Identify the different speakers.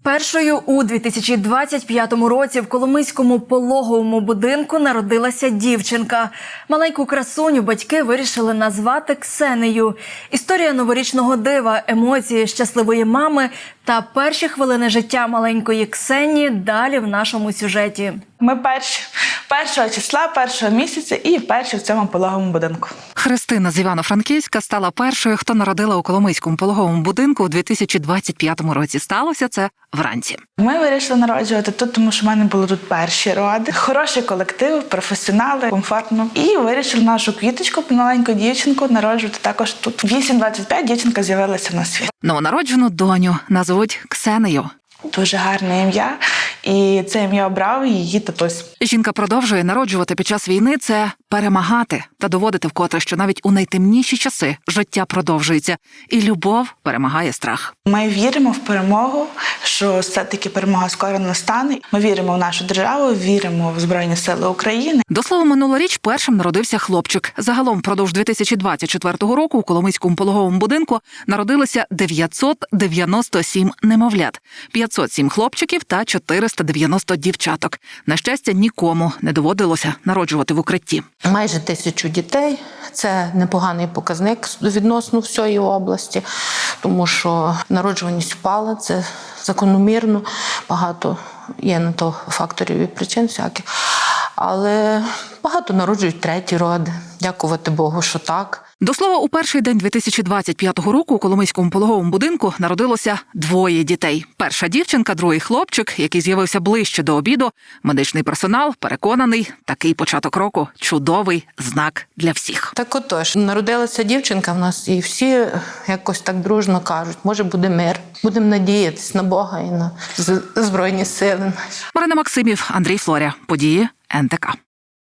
Speaker 1: Першою у 2025 році в Коломийському пологовому будинку народилася дівчинка. Маленьку красуню батьки вирішили назвати Ксенею. Історія новорічного дива, емоції щасливої мами та перші хвилини життя маленької Ксені далі в нашому сюжеті.
Speaker 2: Ми першого числа, першого місяця і перші в цьому пологовому будинку.
Speaker 3: Христина з Івано-Франківська стала першою, хто народила у Коломийському пологовому будинку у 2025 році. Сталося це вранці.
Speaker 2: Ми вирішили народжувати тут, тому що в мене були тут перші роди. Хороший колектив, професіонали, комфортно. І вирішили нашу квіточку, маленьку дівчинку, народжувати також тут. 8:25 дівчинка з'явилася на світ.
Speaker 3: Новонароджену доню назвуть Ксенею.
Speaker 2: Дуже гарне ім'я, і це ім'я обрав її татусь.
Speaker 3: Жінка продовжує народжувати під час війни – це перемагати та доводити вкотре, що навіть у найтемніші часи життя продовжується, і любов перемагає страх.
Speaker 2: Ми віримо в перемогу, що все-таки перемога скоро настане. Ми віримо в нашу державу, віримо в Збройні Сили України.
Speaker 3: До слова, минулоріч першим народився хлопчик. Загалом впродовж 2024 року у Коломийському пологовому будинку народилося 997 немовлят, 507 хлопчиків та 490 дівчаток. На щастя, нікому не доводилося народжувати в укритті.
Speaker 4: Майже 1000 дітей – це непоганий показник відносно всієї області, тому що народжуваність впала, це закономірно, багато є на то факторів і причин всяких. Але багато народжують треті роди, дякувати Богу, що так.
Speaker 3: До слова, у перший день 2025 року у Коломийському пологовому будинку народилося 2 дітей. Перша дівчинка, другий хлопчик, який з'явився ближче до обіду. Медичний персонал переконаний, такий початок року – чудовий знак для всіх.
Speaker 4: Так отож, народилася дівчинка в нас, і всі якось так дружно кажуть, може буде мир. Будемо надіятись на Бога і на Збройні Сили.
Speaker 3: Марина Максимів, Андрій Флоря. Події НТК.